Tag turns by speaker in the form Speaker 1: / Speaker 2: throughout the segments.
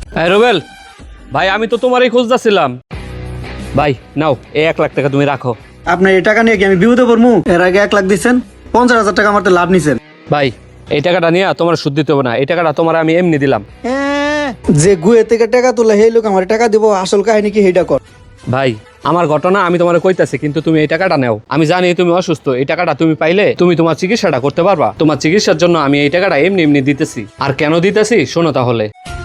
Speaker 1: রুবেল ভাই, আমি তো তোমারই খুঁজতেছিলাম। ভাই নাও, এই 1 লাখ টাকা তুমি রাখো।
Speaker 2: আপনার এই টাকা নিয়ে কি আমি বিপদে পড়বো? এর আগে 1 লাখ দিচ্ছেন, 50,000 টাকা আমার তো লাভ নিছেন।
Speaker 1: ভাই, এই টাকাটা নিয়ে তোমার সুদ দিতে হবে না, এই টাকাটা তোমার আমি এমনি দিলাম।
Speaker 2: যে গুয়ে থেকে টাকা তোলা সেই লোক আমার টাকা দিব, আসল কাহিনী কি সেইটা কর।
Speaker 1: ভাই, আমার ঘটনা আমি তোমার কইতাছি, কিন্তু তুমি এই টাকাটা নাও। আমি জানি তুমি অসুস্থ, এই টাকাটা তুমি পাইলে তুমি তোমার চিকিৎসাটা করতে পারবা। তোমার চিকিৎসার জন্য আমি এই টাকাটা এমনি এমনি দিতেছি। আর কেন দিতেছি শোনো তাহলে।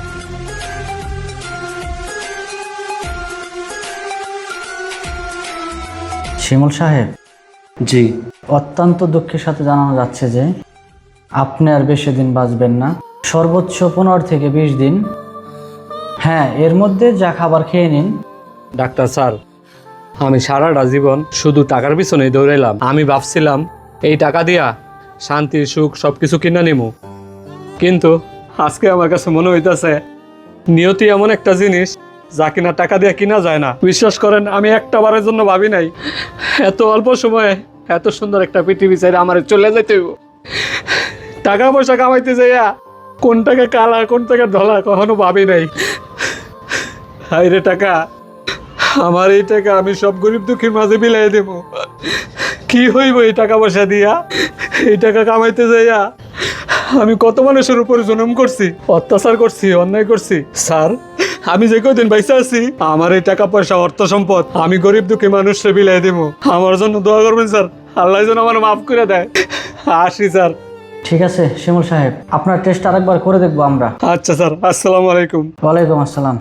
Speaker 3: শিমুল সাহেব,
Speaker 1: জি।
Speaker 3: অত্যন্ত দুঃখের সাথে জানানো যাচ্ছে যে আপনি আর বেশি দিন বাঁচবেন না, সর্বোচ্চ 15 থেকে 20 দিন। হ্যাঁ, এর মধ্যে যা খাবার খেয়ে নিন।
Speaker 1: ডাক্তার স্যার, আমি সারাটা জীবন শুধু টাকার পিছনেই দৌড়াইলাম। আমি ভাবছিলাম এই টাকা দিয়া শান্তি সুখ সবকিছু কিনা নিমু, কিন্তু আজকে আমার কাছে মনে হইতাছে নিয়তি এমন একটা জিনিস যা কিনা টাকা দিয়ে কিনা যায় না। বিশ্বাস করেন, আমি একটা বারের জন্য ভাবি নাই এত অল্প সময়ে এত সুন্দর একটা পৃথিবী চাইলে আমার চলে যাইতে হইব। টাকা পয়সা কামাইতে যাইয়া কোন টাকা কালা কোন টাকা ধলা কখনো ভাবি নাই। হাই রে টাকা, আমার এই টাকা আমি সব গরিব দুঃখীর মাঝে বিলাই দেব। কি হইব এই টাকা পয়সা দিয়া? এই টাকা কামাইতে যাইয়া আমি কত মানুষের উপর জুলুম করছি, অত্যাচার করছি, অন্যায় করছি। স্যার, আমি যে কদিন বাইসা আছি, আমার এই টাকা পয়সা অর্থ সম্পদ আমি গরিব দুঃখী মানুষকে বিলাই দেব। আমার জন্য দোয়া করবেন স্যার, আল্লাহ যেন আমার মাফ করে দেয়। আসি স্যার।
Speaker 3: ঠিক আছে শিমুল সাহেব, আপনার টেস্ট আরেকবার করে দেখবো আমরা।
Speaker 1: আচ্ছা স্যার, আসসালামু আলাইকুম।
Speaker 3: ওয়ালাইকুম আসসালাম।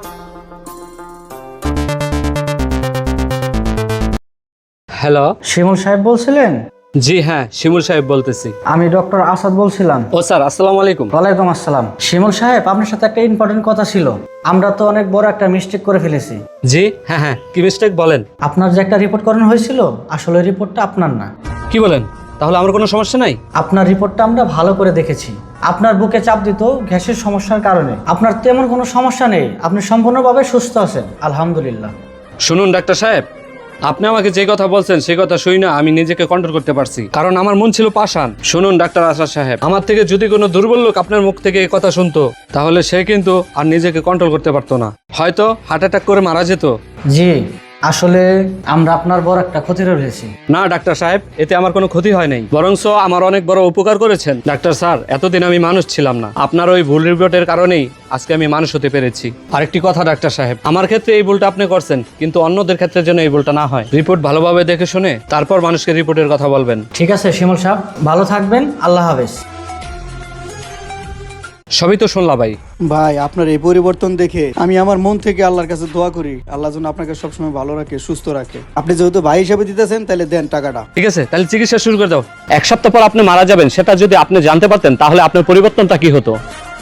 Speaker 1: হ্যালো।
Speaker 3: শিমুল সাহেব বলছিলেন?
Speaker 1: জি হ্যাঁ, শিমুল সাহেব বলতেছি।
Speaker 3: আমি ডক্টর আসাদ বলছিলাম।
Speaker 1: ও স্যার, আসসালামু আলাইকুম।
Speaker 3: ওয়ালাইকুম আসসালাম। শিমুল সাহেব, আপনার সাথে একটা ইম্পর্টেন্ট কথা ছিল। আমরা তো অনেক বড় একটা মিস্টেক করে ফেলেছি।
Speaker 1: জি হ্যাঁ হ্যাঁ, কি মিস্টেক বলেন?
Speaker 3: আপনার যে একটা রিপোর্ট করানো হয়েছিল, আসলে রিপোর্টটা আপনার না।
Speaker 1: কি বলেন? তাহলে আমার কোনো সমস্যা নাই?
Speaker 3: আপনার রিপোর্টটা আমরা ভালো করে দেখেছি। আপনার বুকে চাপ দিত গ্যাসের সমস্যার কারণে। আপনার তেমন কোনো সমস্যা নেই, আপনি সম্পূর্ণভাবে সুস্থ আছেন, আলহামদুলিল্লাহ।
Speaker 1: শুনুন ডাক্তার সাহেব, আপনি আমাকে যে কথা বলছেন সেই কথা শুই না আমি নিজেকে কন্ট্রোল করতে পারছি, কারণ আমার মন ছিল পাষাণ। শুনুন ডাক্তার আসাদ সাহেব, আমার থেকে যদি কোনো দুর্বল লোক আপনার মুখ থেকে এই কথা শুনতো, তাহলে সে কিন্তু আর নিজেকে কন্ট্রোল করতে পারতো না, হয়তো হার্ট অ্যাটাক করে মারা যেত।
Speaker 3: জি, আসলে আমরা আপনার বড় একটা ক্ষতি রয়েছি।
Speaker 1: না ডাক্তার সাহেব, এতে আমার কোনো ক্ষতি হয় নাই, বরঞ্চ আমার অনেক বড় উপকার করেছেন। ডাক্তার স্যার, এতদিন আমি মানুষ ছিলাম না, আপনার ওই ভুল রিপোর্টের কারণেই আজকে আমি মানুষ হতে পেরেছি। আরেকটি কথা ডাক্তার সাহেব, আমার ক্ষেত্রে এই ভুলটা আপনি করছেন, কিন্তু অন্যদের ক্ষেত্রে যেন এই ভুলটা না হয়। রিপোর্ট ভালোভাবে দেখে শুনে তারপর মানুষকে রিপোর্টের কথা বলবেন।
Speaker 3: ঠিক আছে শিমুল সাহেব, ভালো থাকবেন, আল্লাহ হাফেজ।
Speaker 1: সবই তো শুনলা ভাই।
Speaker 2: ভাই, আপনার এই পরিবর্তন দেখে আমি আমার মন থেকে আল্লাহর কাছে দোয়া করি, আল্লাহ যেন আপনাকে সবসময় ভালো রাখে, সুস্থ রাখে। আপনি যেহেতু ভাই হিসাবে দিতেছেন, তাহলে দেন টাকাটা।
Speaker 1: ঠিক আছে, তাহলে চিকিৎসা শুরু করে দাও। 1 সপ্তাহ পর আপনি মারা যাবেন, সেটা যদি আপনি জানতে পারতেন তাহলে আপনার পরিবর্তনটা কি হতো?